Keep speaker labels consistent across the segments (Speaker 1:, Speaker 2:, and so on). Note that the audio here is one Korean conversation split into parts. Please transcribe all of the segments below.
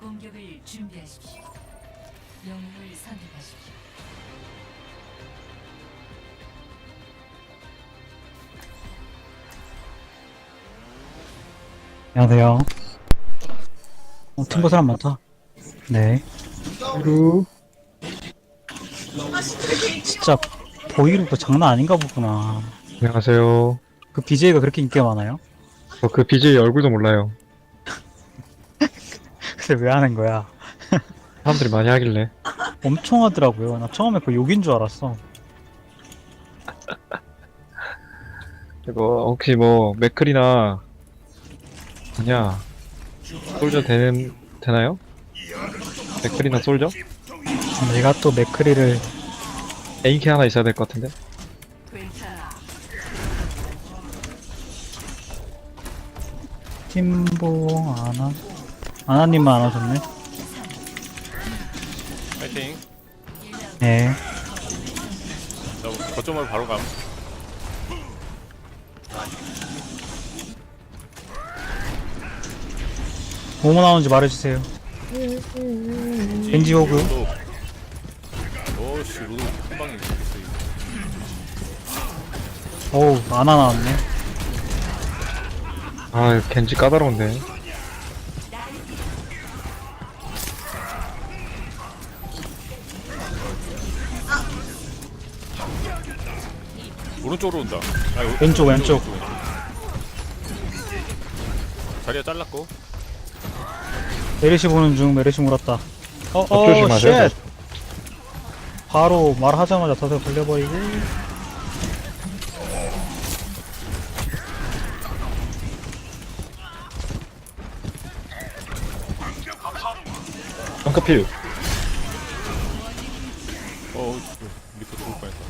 Speaker 1: 공격을 준비하십시오. 영웅을 선택하십시오.
Speaker 2: 안녕하세요. 팀보 사람 많다. 네. 보이루. 진짜 보이루도 장난 아닌가 보구나.
Speaker 3: 안녕하세요.
Speaker 2: 그 BJ가 그렇게 인기가 많아요?
Speaker 3: 저 그 BJ 얼굴도 몰라요.
Speaker 2: 근데 왜 하는 거야?
Speaker 3: 사람들이 많이 하길래.
Speaker 2: 엄청 하더라고요. 나 처음에 그 욕인 줄 알았어.
Speaker 3: 이거 혹시 뭐 맥클이나 뭐냐 솔저 되나요? 맥클이나 솔저?
Speaker 2: 내가 또 맥크리를
Speaker 3: 에인키 하나 있어야 될 것 같은데.
Speaker 2: 팀보 아나님만 안 하셨네.
Speaker 4: 파이팅.
Speaker 2: 네.
Speaker 4: 자, 거점으로 바로 감.
Speaker 2: 뭐뭐 나오는지 말해주세요. 벤지 호그.
Speaker 4: 오씨, 로드 한 방에 있어.
Speaker 2: 어우, 아나 나왔네.
Speaker 3: 아 이거 겐지 까다로운데.
Speaker 4: 오른쪽으로 온다.
Speaker 2: 왼쪽.
Speaker 4: 자리가 잘랐고.
Speaker 2: 메르시 보는 중. 메르시 물었다.
Speaker 3: 조심하세요.
Speaker 2: 쉣. 바로 말하자마자 덫에 걸려버리고.
Speaker 3: 덩크필.
Speaker 4: 리프 죽을 뻔했다.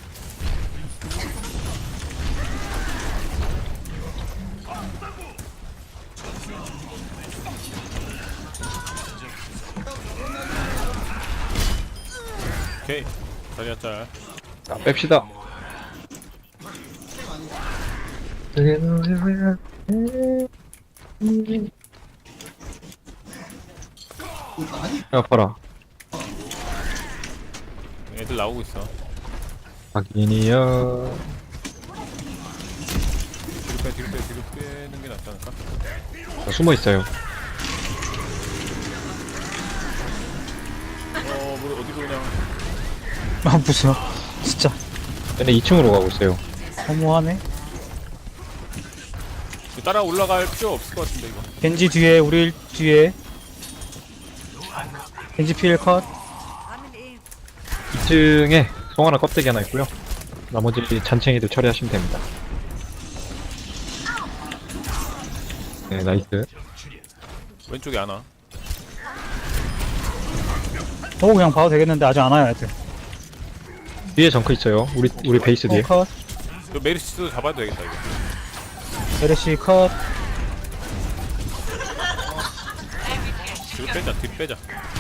Speaker 4: 오케이. 자리가 잘.
Speaker 3: 자 뺍시다. 아파라.
Speaker 4: 애들 나오고 있어.
Speaker 3: 확인이요.
Speaker 4: 뒤로 빼는 게 낫지 않을까?
Speaker 3: 숨어 있어요.
Speaker 4: 뭐 어디로 그냥.
Speaker 2: 아, 무슨. 진짜.
Speaker 3: 얘네 2층으로 가고 있어요.
Speaker 2: 허무하네.
Speaker 4: 따라 올라갈 필요 없을 것 같은데, 이거.
Speaker 2: 겐지 뒤에, 우리 뒤에. 겐지 필 컷.
Speaker 3: 2층에 송하나 껍데기 하나 있고요. 나머지 잔챙이들 처리하시면 됩니다. 네, 나이스.
Speaker 4: 왼쪽에 하나.
Speaker 2: 그냥 봐도 되겠는데 아직 안 와요, 애들.
Speaker 3: 뒤에 정크 있어요. 우리 베이스 뒤에.
Speaker 2: 컷.
Speaker 4: 이거 메리시스도 잡아야 되겠다, 이거.
Speaker 2: 메르시 컷.
Speaker 4: 뒤로 빼자.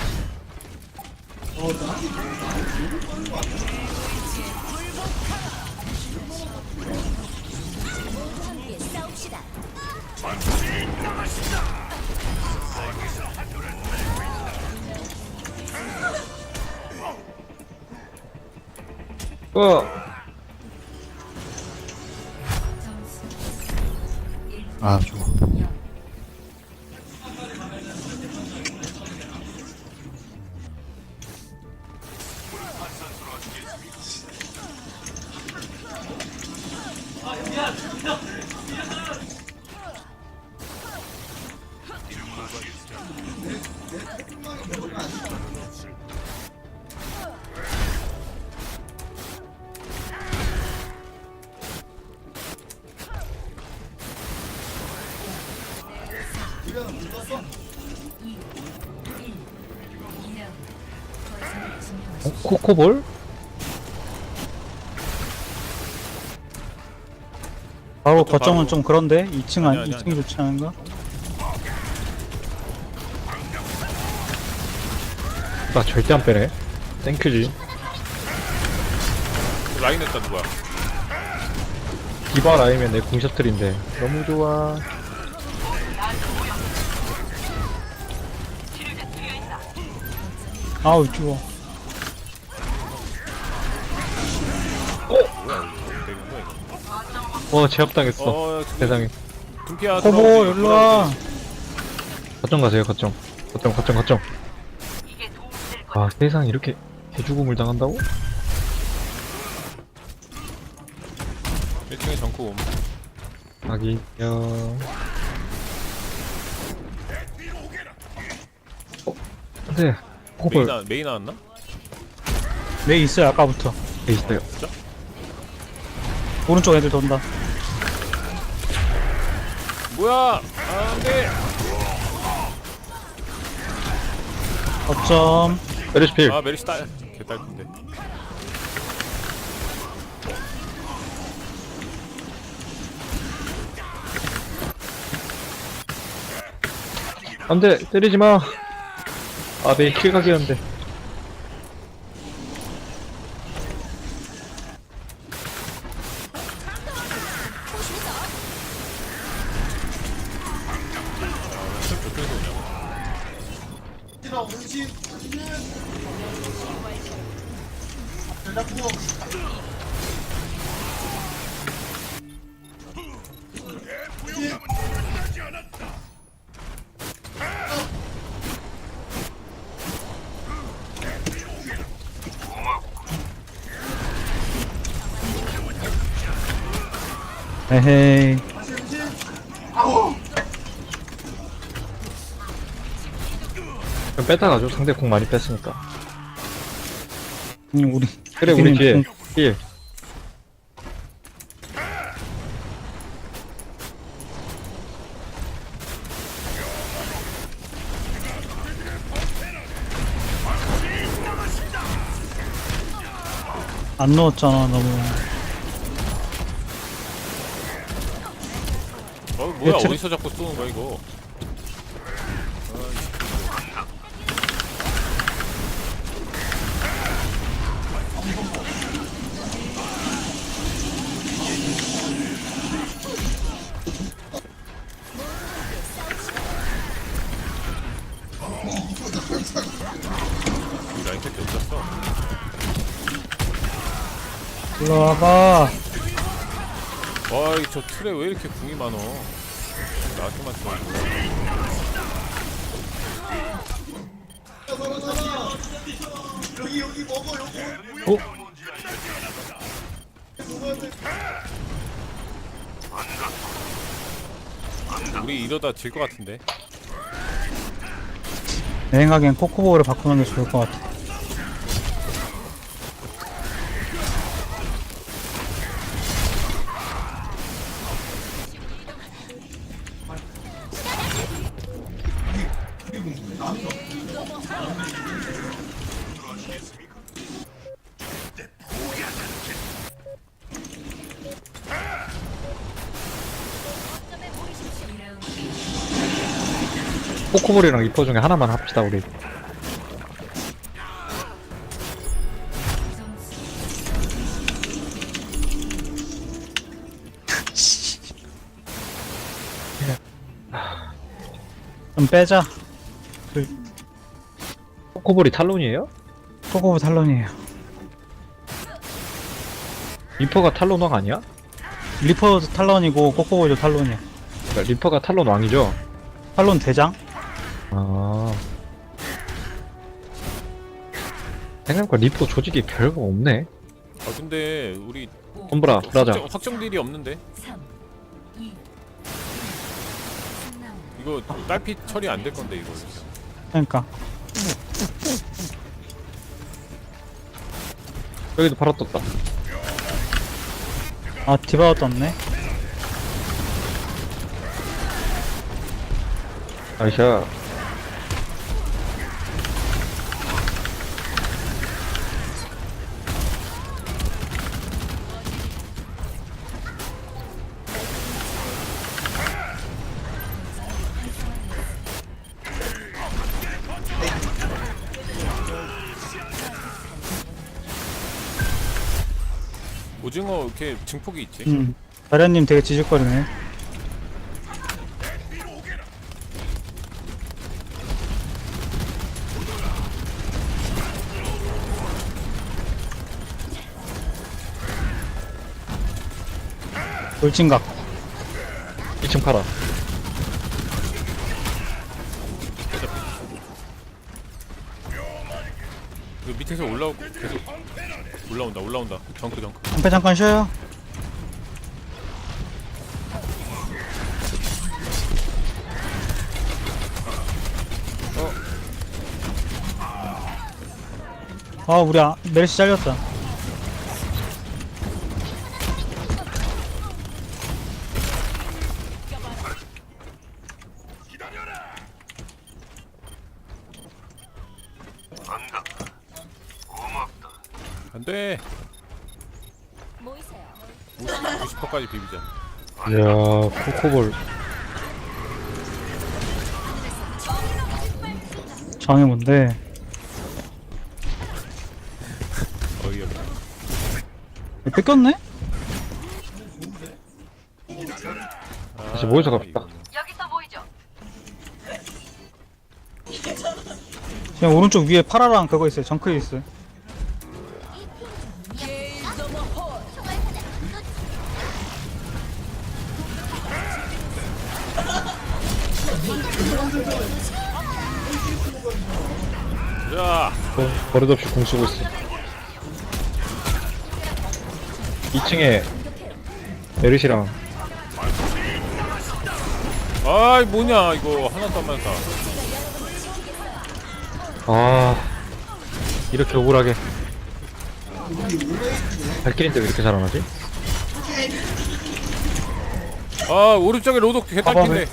Speaker 2: 아, 좋아.
Speaker 3: 코코볼?
Speaker 2: 바로
Speaker 4: 그것도
Speaker 2: 거점은
Speaker 4: 바로-
Speaker 2: 좀 그런데 2층
Speaker 4: 아니야, 아니야,
Speaker 2: 2층이 좋지 않은가?
Speaker 3: 나 절대 안 빼네. 땡큐지.
Speaker 4: 라인 했다, 누구야?
Speaker 3: 디바 라이면 내 궁셔틀인데 너무 좋아.
Speaker 2: 아우 죽어.
Speaker 4: 되는 거야 이거.
Speaker 3: 제압당했어. 세상에.
Speaker 4: 둠피야
Speaker 2: 코보 일로와.
Speaker 3: 거점 가세요, 거점. 거점. 아, 세상 이렇게 개죽음을 당한다고?
Speaker 4: 1층에 정크 옴.
Speaker 3: 하긴요. 안돼. 호벌
Speaker 4: 메이 나왔나?
Speaker 2: 왜 있어요 아까부터.
Speaker 3: 돼 있어요.
Speaker 4: 진짜?
Speaker 2: 오른쪽 애들 돈다.
Speaker 4: 뭐야? 안돼.
Speaker 2: 어쩜.
Speaker 3: 메르시필.
Speaker 4: 아 메리시 딸. 개딸인데.
Speaker 3: 안돼, 때리지 마. 아, 내 킬각이었는데.
Speaker 4: 저쪽에서 오냐고.
Speaker 2: 에헤이.
Speaker 3: 좀 뺐다 가죠. 상대 공 많이 뺐으니까.
Speaker 2: 우리.
Speaker 3: 그래, 우리 뒤에.
Speaker 2: 공-
Speaker 3: 힐.
Speaker 2: 안 넣었잖아 너무.
Speaker 4: 뭐야
Speaker 2: 제-
Speaker 4: 어디서 자꾸 쏘는 거야 이거? 이 라인 택이 어디갔어?
Speaker 2: 일로 와봐.
Speaker 4: 와저 틀에 왜 이렇게 궁이 많어? 나한테만 쏘.
Speaker 3: 어?
Speaker 4: 우리 이러다 질 것 같은데.
Speaker 2: 내 생각엔 코코보를 바꾸는 게 좋을 것 같아.
Speaker 3: 코코볼이랑 리퍼 중에 하나만 합시다, 우리.
Speaker 2: 좀 빼자.
Speaker 3: 코코볼이 탈론이에요?
Speaker 2: 코코보 탈론이에요.
Speaker 3: 리퍼가 탈론 왕 아니야?
Speaker 2: 리퍼도 탈론이고 코코보도 탈론이야.
Speaker 3: 그러니까 리퍼가 탈론 왕이죠?
Speaker 2: 탈론 대장?
Speaker 3: 아. 생각보다 리퍼 조직이 별거 없네.
Speaker 4: 아 근데 우리
Speaker 3: 톰브라, 브라자.
Speaker 4: 확정 딜이 없는데
Speaker 1: 3, 2, 3남
Speaker 4: 이거 딸피 처리 안 될 건데 이거.
Speaker 2: 그러니까.
Speaker 3: 여기도 바로 떴다.
Speaker 2: 아 디바가 떴네.
Speaker 3: 아이샤.
Speaker 4: 오징어 이렇게 증폭이 있지.
Speaker 2: 자련님 되게 지직거리네. 돌진각.
Speaker 3: 2층 팔아.
Speaker 4: 이거 밑에서 올라오고 계속 올라온다. 정크.
Speaker 2: 방패 잠깐 쉬어요. 아 우리 메르시 잘렸다.
Speaker 4: 안돼.
Speaker 5: 모이세요.
Speaker 4: 90%까지 비비자.
Speaker 3: 이야, 코코볼.
Speaker 2: 정이 뭔데?
Speaker 4: 어이없네.
Speaker 2: 뺏겼네?
Speaker 3: 다시 모여서 갑시다.
Speaker 4: 이거는.
Speaker 5: 여기서 모이죠.
Speaker 2: 그냥 오른쪽 위에 파라랑 그거 있어요. 정크에 있어요.
Speaker 4: 자,
Speaker 3: 버릇없이 공 쓰고 있어. 2층에 메르시랑
Speaker 4: 아이 뭐냐 이거 하나도 안 맞았다.
Speaker 3: 아 이렇게 억울하게 발길인데 왜 이렇게 잘안하지?
Speaker 4: 아 오른쪽에 로독 개딸핀데.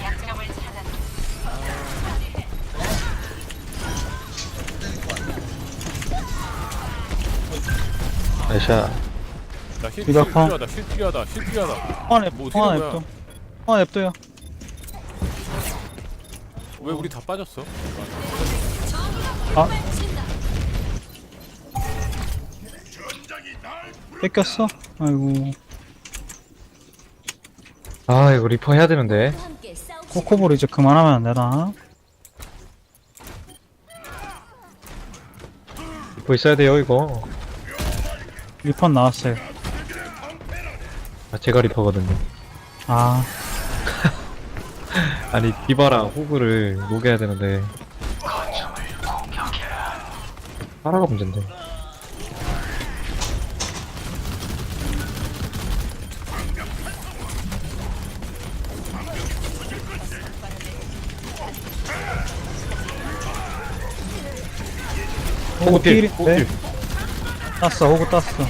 Speaker 3: 아이샤.
Speaker 4: 나힐
Speaker 2: 이거 아파.
Speaker 4: 필요하다. 힐 필요하다.
Speaker 2: 하나
Speaker 4: 뭐
Speaker 2: 냅둬. 하나
Speaker 4: 어떻게 된
Speaker 2: 냅둬. 하나 냅둬요.
Speaker 4: 왜 우리 다 빠졌어?
Speaker 2: 아 뺏겼어? 아이고.
Speaker 3: 아 이거 리퍼 해야 되는데.
Speaker 5: 함께 싸우고
Speaker 2: 코코볼 이제 그만하면 안 되나?
Speaker 3: 리퍼 있어야 돼요 이거.
Speaker 2: 리펀 나왔어요.
Speaker 3: 아, 제가 리퍼거든요.
Speaker 2: 아
Speaker 3: 아니 디바랑 호그를 녹여야 되는데. 파라가 문제인데.
Speaker 2: 호구 필.
Speaker 3: 호그
Speaker 2: 네.
Speaker 3: 필.
Speaker 2: 땄어. 호구 땄어.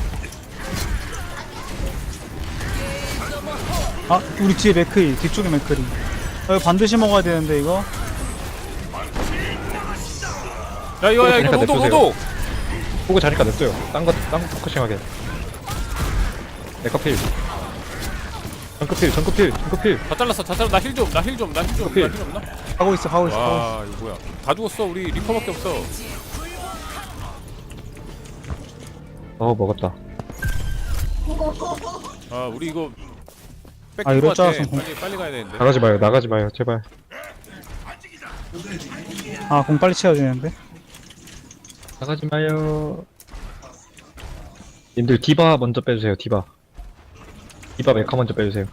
Speaker 2: 아 우리 뒤에 맥크리. 뒤쪽에 맥크리. 이거 반드시 먹어야 되는데 이거.
Speaker 4: 야 이거
Speaker 3: 그러니까
Speaker 4: 로독
Speaker 3: 냅두세요.
Speaker 4: 로독.
Speaker 3: 호그 자니까 냅둬요. 딴거 포커싱하게. 에커필. 정크필.
Speaker 4: 다 잘랐어. 나 힐 좀. 나 힐
Speaker 3: 오케이.
Speaker 4: 없나?
Speaker 2: 가고 있어. 가고 있어.
Speaker 4: 와 이거 뭐야? 다 죽었어. 우리 리퍼밖에 없어.
Speaker 3: 먹었다.
Speaker 4: 아 우리 이거
Speaker 2: 아,
Speaker 4: 뺏긴
Speaker 2: 이럴
Speaker 4: 것
Speaker 2: 줄
Speaker 4: 같아.
Speaker 2: 알았으면
Speaker 4: 빨리 가야 되는데.
Speaker 3: 나가지 마요, 제발.
Speaker 2: 아 공 빨리 채워야 되는데.
Speaker 3: 나가지 마요. 님들 디바 먼저 빼주세요, 디바 메카 먼저 빼주세요.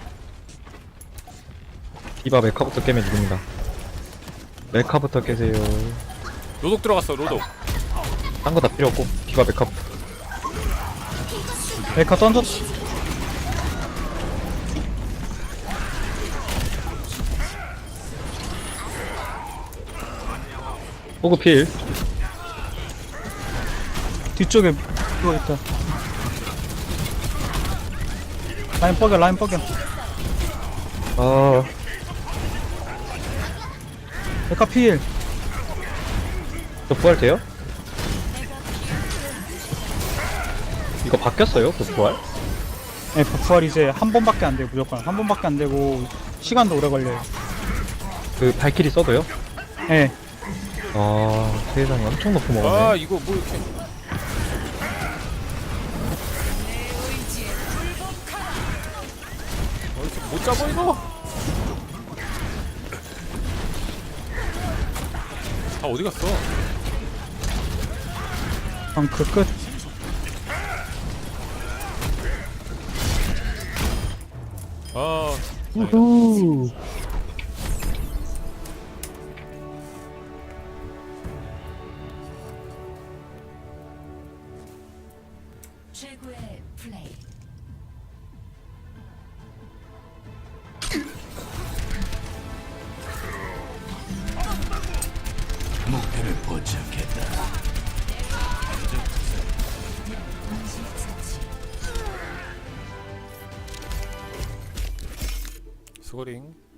Speaker 3: 디바 메카부터 깨면 이깁니다. 메카부터 깨세요.
Speaker 4: 로독 들어갔어. 로독.
Speaker 3: 딴 거 다 필요 없고, 디바 메카부터.
Speaker 2: 메카 던졌어.
Speaker 3: 호그 필.
Speaker 2: 뒤쪽에 그거 있다. 라인 뻐겨.
Speaker 3: 아,
Speaker 2: 메카 필.
Speaker 3: 저 부활 돼요? 이거 바뀌었어요, 그 부활?
Speaker 2: 네, 부활 이제 한 번밖에 안 돼요. 무조건 한 번밖에 안 되고 시간도 오래 걸려요.
Speaker 3: 그 발키리 써도요?
Speaker 2: 네.
Speaker 3: 아, 세상에 엄청 높게 먹었네.
Speaker 4: 아 이거 뭐 이렇게. 이렇게 못 잡아 이거? 다 어디 갔어?
Speaker 2: 그럼 그 끝.
Speaker 3: 우후.
Speaker 1: 최고의 플레이.
Speaker 6: 목표를 포착했다.
Speaker 1: 동시 처치.
Speaker 4: 수고링.